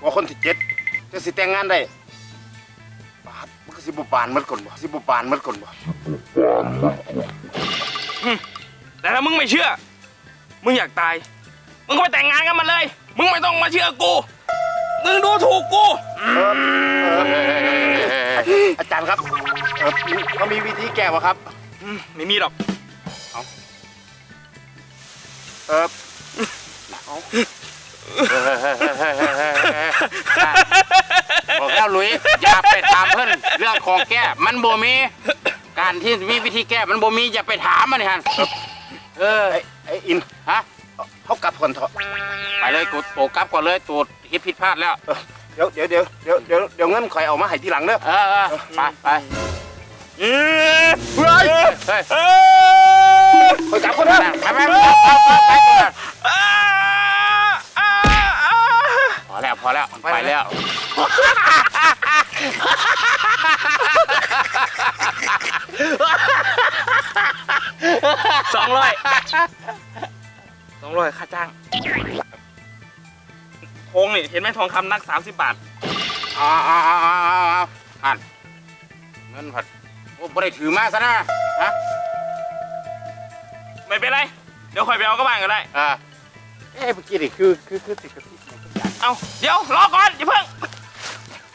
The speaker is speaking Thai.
ว่าคนที่7จะสิแต่งงานได้บาดมันก็สิบ่ปานมันก่อนบ่สิบ่ปานมันก่อนบ่แต่ถ้ามึงไม่เชื่อมึงอยากตายมึงก็ไปแต่งงานกันมาเลยมึงไม่ต้องมาเชื่อกูมึงดูถูกกูอาจารย์ครับเขามีวิธีแก้บ่ครับไม่มีหรอกบอกแล้วลุยอย่าไปถามเพิ่นเรื่องของแก้มันบ่มีการที่มีวิธีแก้มันบ่มีอย่าไปถามมันนี่ฮะไอ้อินฮะเขากลับก่อนเถอะไปเลยกูโตกลับก่อนเลยตูดคิดผิดพลาดแล้วเดี๋ยวเงินข่อยเอามาให้ทีหลังเด้อไปไปเฮ้ยเฮ้ยข่อยกลับก่อนเด้อไปพอแล้วไปแล้ว 200ค่าจ้างทองนี่เห็นไหมทองคำนัก30 บาทอันเงินผัดโอ้บ่ได้ถือมาซะนะฮะไม่เป็นไรเดี๋ยวคอยไปเอาก็บ้านก็ได้เมื่อกี้นี่คือติดกับที่เอาเดี๋ยวรอก่อนอย่าเพิ่ง